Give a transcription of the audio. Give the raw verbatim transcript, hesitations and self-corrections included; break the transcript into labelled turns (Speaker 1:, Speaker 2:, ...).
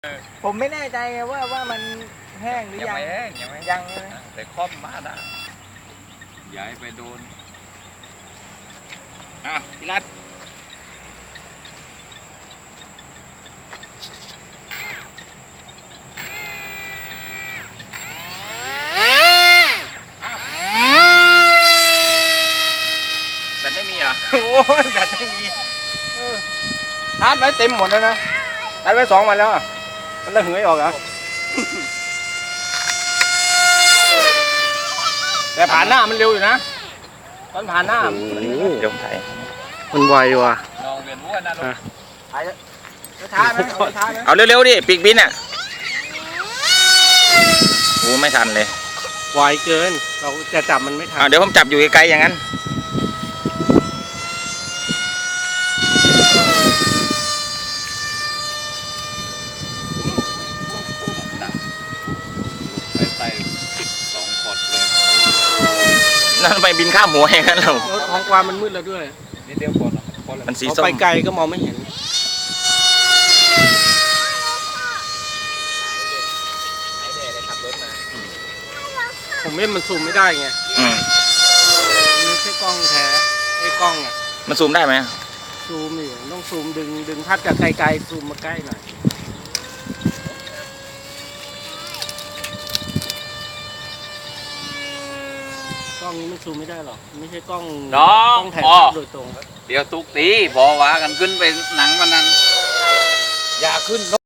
Speaker 1: ผมไม่แน่ใจว่าว่ามันแห้งหรือ
Speaker 2: ยัง
Speaker 1: ยัง
Speaker 2: ไม่แห้งยังไม่
Speaker 1: ยังใช่ไหม
Speaker 2: แต่คล่อมมานะอย่าให้ไปโดนอ่ะพี่รัตแต่ไม่มีเหรอ
Speaker 1: โอ้ยแบบไม่มีชาร์จไว้เต็มหมดแล้วนะชาร์จไว้สองวันแล้วอ่ะมันระเหยออกเหรอ แต่ผ่านหน้ามันเร็วอยู่นะตอนผ่านหน้า
Speaker 2: เดี๋ยวถ่าย
Speaker 3: มันไวว่ะ
Speaker 2: ลองเวียนหัวนะลูก
Speaker 1: ถ่ายช้าไหมเอาช้าไหม
Speaker 2: เอาเร็วๆดิปีกบินอ่ะโอ้ไม่ทันเลย
Speaker 3: ไวเกิน เราจะจับมันไม่ทั
Speaker 2: อ่าน เดี๋ยวผมจับอยู่ไกลๆอย่างนั้นไปสองขดเลยนั่นไปบินข้ามหัวอย่างนั้นเรา
Speaker 3: แล้วท้องฟ้ามันมืดแล้วด้วย
Speaker 2: นิดเดียวพอนะมันสี
Speaker 3: เอา
Speaker 2: ส้ม
Speaker 3: ไปไกลก็มองไม่เห็น ผมเล่นมันซูมไม่ได้ไง
Speaker 2: อืม
Speaker 3: มันไม่ใช่กล้องแท้ไอ้กล้องอ่ะ
Speaker 2: มันซูมได้ไหม
Speaker 3: ซูมนี่ต้องซูมดึงดึงภาพจากไกลๆซูมมาใกล้หน่อยกล้องนี้มันซูมไม่ได้หรอกไม่ใช่กล้อง
Speaker 2: น้อก ง
Speaker 3: ล้องถ่าย
Speaker 2: อ๋อ
Speaker 3: ภาพโดยตรง
Speaker 2: เดี๋ยวตุกตีบอกว่ากันขึ้นไปหนังวันนั้น อย่าขึ้น